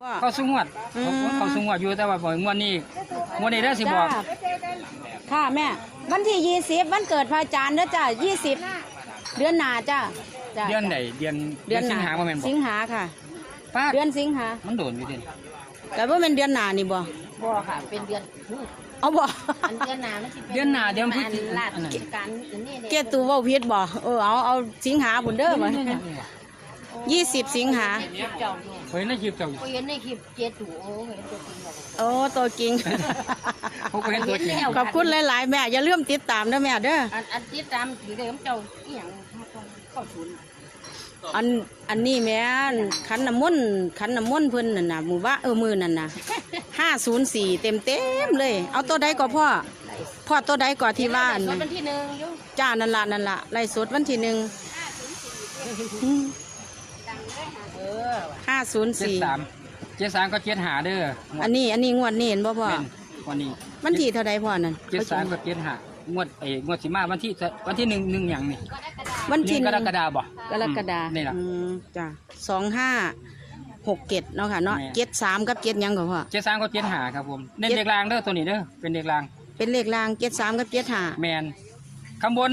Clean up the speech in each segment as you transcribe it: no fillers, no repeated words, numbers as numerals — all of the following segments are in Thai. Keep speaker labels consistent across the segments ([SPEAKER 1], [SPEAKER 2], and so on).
[SPEAKER 1] เขาสูงวดเขาสูงวดอยู่แต่ว่าบ่งวดนี้ได้สิบอก
[SPEAKER 2] ค่ะแม่วันที่20วันเกิดพระอาจารย์เด้อจ้ะ20เดือนหน้าจ้ะ
[SPEAKER 1] เดือนไหนเดือนสิงหาบ่แม่นบ่
[SPEAKER 2] สิงหาค่ะเดือนสิงหา
[SPEAKER 1] มันโดนอยู่ดิ
[SPEAKER 2] แต่ว่าเป็นเดือนหน้านี่บ่
[SPEAKER 3] ค่ะเป็นเดือน
[SPEAKER 2] เอาบ่
[SPEAKER 3] เดือนหน้ามันสิ
[SPEAKER 1] เดือนหน้าเดือนพฤศจิกายน
[SPEAKER 3] การนี่
[SPEAKER 2] เกตูเว้าผิดบ่เอาสิงหาพุ่นเด้อบ่20สิงหา
[SPEAKER 1] เฮ้ยในคลิปเจ้า
[SPEAKER 3] เห็นในคลิปเจ็ดถูเห็นตัวจริง
[SPEAKER 2] ตัวจริง
[SPEAKER 1] เขาก็เห็นตัวจริง
[SPEAKER 2] ขอบคุณหลายๆแม่อย่าลืมติดตามนะแม่เด้อ
[SPEAKER 3] อันติดตามถือได้เจ้าอีหยังเข้าศูนย์
[SPEAKER 2] อันนี้แม่ขันน้ำมนต์เพิ่นน่ะนะมือมือนั่นน่ะ504เต็มเลยเอาตัวใดก็พ่อตัวใดก็ที่ว่า
[SPEAKER 3] วันที่1อยู่
[SPEAKER 2] จ้านั่นล่ะไล่สดวันที่1
[SPEAKER 1] 504 ก็75เด้อ
[SPEAKER 2] อันนี้งวดนี้เห็นบ่พ่อ
[SPEAKER 1] วันนี้
[SPEAKER 2] วันที่เท่าใดพ่อนั่น
[SPEAKER 1] 73ก็75งวดสิมาวันที่1หยังนี่
[SPEAKER 2] วันที่
[SPEAKER 1] กรกฎาคมบ่
[SPEAKER 2] กรกฎาคม
[SPEAKER 1] นี่ล่ะ
[SPEAKER 2] จ้ะ2567เนาะค่ะเนาะ73กับ7หยังก็พ่อ
[SPEAKER 1] 73ก็75ครับผมเน้นเลขรางเด้อตัวนี้เด้อเป็นเลขราง
[SPEAKER 2] 73กับ75
[SPEAKER 1] แม่นข้างบน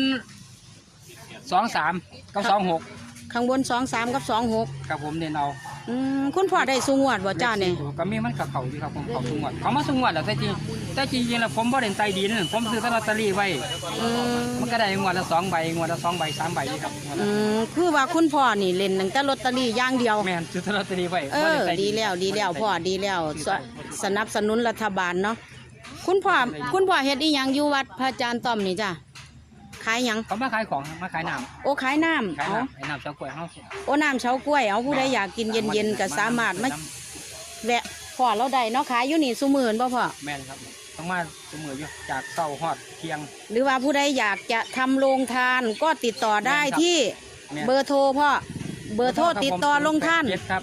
[SPEAKER 1] 23กับ26
[SPEAKER 2] ข้างบน23กับ26
[SPEAKER 1] ครับผมเน้นเอา
[SPEAKER 2] คุณพ่อได้สูงวดบ่จ้าเนี่ย
[SPEAKER 1] ก็มีมันกับเขาอยู่ครับผมเขาสูงวดเขามาสูงวดแล้วแต่จริงแล้วผมบ่ได้ใต้ดินผมซื้อลอตเตอรี่ไว้มันก็ได้งวดละ2ใบงวดละ2ใบ3ใบครับ
[SPEAKER 2] คือว่าคุณพ่อนี่เล่นตั้งแต่ลอตเตอรี่อย่างเดียว
[SPEAKER 1] แม่นซื้อลอตเตอรี่ไว้
[SPEAKER 2] ดีแล้วพ่อดีแล้วสนับสนุนรัฐบาลเนาะคุณพ่อเฮ็ดอีหยังอยู่วัดพระอาจารย์ต้อมนี่จ้ะขายหยัง
[SPEAKER 1] เขามาขายของมาขายน้
[SPEAKER 2] ำขายน้ำ
[SPEAKER 1] น้ำเฉาก๊วยเฮา
[SPEAKER 2] น้ำเฉาก๊วยผู้ใดอยากกินเย็นก็สามารถมาแวะพ่อเราได้เนาะขายอยู่นี่ซุมื้อบ่พ่อ
[SPEAKER 1] แม่นครับต้องมาซุมื้ออยู่จากเช้าฮอดเที่ยง
[SPEAKER 2] หรือว่าผู้ใดอยากจะทำโรงทานก็ติดต่อได้ที่เบอร์โทรพ่อเบอร์โทรติดต่อโรงทาน
[SPEAKER 1] ครับ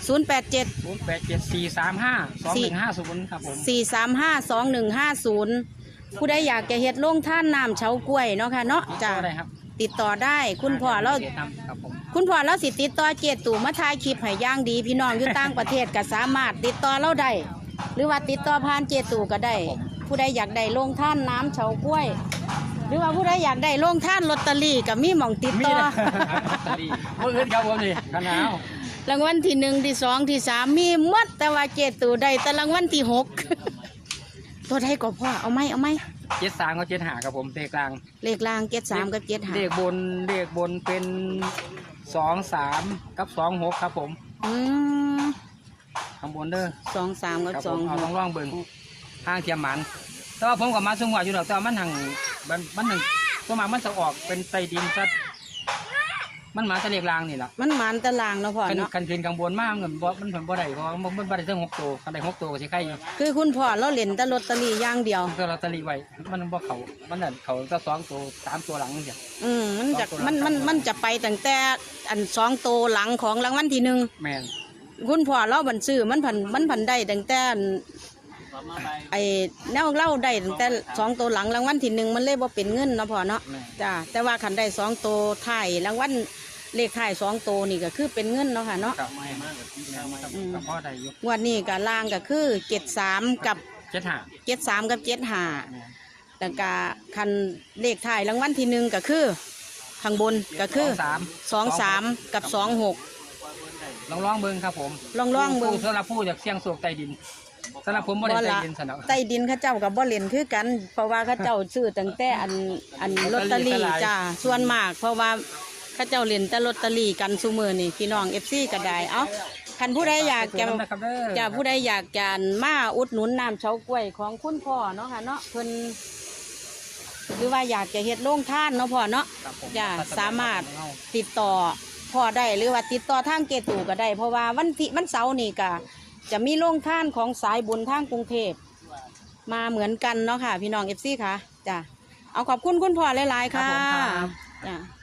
[SPEAKER 2] 087-435-2150ครับผม435-2150ผู้ใดอยากจะเฮ็ดโรงทานน้ำเฉาก๊วยเนาะค่ะเนาะจ้ะติดต่อได้คุณพ่อเราสิติดต่อเจตู่มาถ่ายคลิปให้ย่างดีพี่น้องอยู่ต่างประเทศก็สามารถติดต่อเราได้หรือว่าติดต่อผ่านเจตู่ก็ได้ผู้ใดอยากได้โรงทานน้ำเฉาก๊วยหรือว่าผู้ใดอยากได้โรงทานลอตเตอรี่ก็มีหม่องติดต่อ
[SPEAKER 1] มื้ออื่นครับผมนี่คันหนาว
[SPEAKER 2] รางวัลที่1ที่2ที่3มีหมดแต่ว่าเจตู่ได้แต่รางวัลที่6ตัวใดก็พ่อเอาไหม
[SPEAKER 1] 73กับ75ครับผมเลขล่าง
[SPEAKER 2] 73กับ75
[SPEAKER 1] เลขบนเป็น23กับ26ครับผมข้างบนเด้อ
[SPEAKER 2] 23กับ26
[SPEAKER 1] เอาลองเบิ่งทางเทียมหมันแต่ว่าผมก็มาสูงกว่าอยู่ดอกแต่มันหังตัวมามันจะออกเป็นไตดินซะมันมาตะเลกลางนี่แหละ
[SPEAKER 2] มันหมันตะลางเนาะพ่อเนาะ
[SPEAKER 1] กันขึ้นกลางบนมากมันบ่ได้เพราะมันบ่ได้ถึง6ตัวกันได้6ตัวก็สิใครอยู่
[SPEAKER 2] คือคุณพ่อเราเล่นแต่ลอตเตอรี่อย่างเดียว
[SPEAKER 1] ลอตเตอรี่ไว้มันบ่มันนั่นเขาก็2ตัว3ตัวหลังจัง
[SPEAKER 2] มันจะไปตั้งแต่อัน2ตัวหลังของรางวัลที่1
[SPEAKER 1] แม่น
[SPEAKER 2] คุณพ่อเราบัญซื้อมันผันได้ตั้งแต่ไอ้แนวเล่าได้ตั้งแต่2ตัวหลังรางวัลที่1มันเลยบ่เป็นเงินเนาะพ่อเนาะจ้าแต่ว่าคันได้2ตัวท้ายรางวัลเลขท้าย2ตัวนี่ก็คือเป็นเงินเนาะค่ะเนาะ
[SPEAKER 1] พ่อได้อยู่
[SPEAKER 2] งวดนี้ก็ล่างก็คือ73กับ75แล้วก็คันเลขท้ายรางวัลที่1ก็คือข้างบนก็คือ23กับ26
[SPEAKER 1] ลองเบิ่งครับผม
[SPEAKER 2] ลองเบิ่ง
[SPEAKER 1] สำหรับผู้อยากเสี่ยงโชคใต้ดินสำหรับผมบ่ได้ใต้ดินซะเนาะ
[SPEAKER 2] ใต้ดินเขาเจ้ากับบ่เล่นคือกันเพราะว่าเขาเจ้าซื้อตั้งแต่อันลอตเตอรี่จ้าส่วนมากเพราะว่าเขาเจ้าเล่นแต่ลอตเตอรี่กันซุมื้อนี่พี่น้อง FC ก็ได้เอ้าคันผู้ใดอยากจะผู้ใดอยากจะมาอุดหนุนน้ำเฉาก๊วยของคุณพ่อเนาะค่ะเนาะเพิ่นหรือว่าอยากจะเฮ็ดโรงทานเนาะพ่อเนาะจะสามารถติดต่อพ่อได้หรือว่าติดต่อทางเกตู่ก็ได้เพราะว่าวันเสาร์นี่ก็จะมีโรงทานของสายบุญทางกรุงเทพมาเหมือนกันเนาะค่ะพี่น้อง FC ค่ะจ้ะเอาขอบคุณคุณพ่อหลายๆค่ะจ้ะ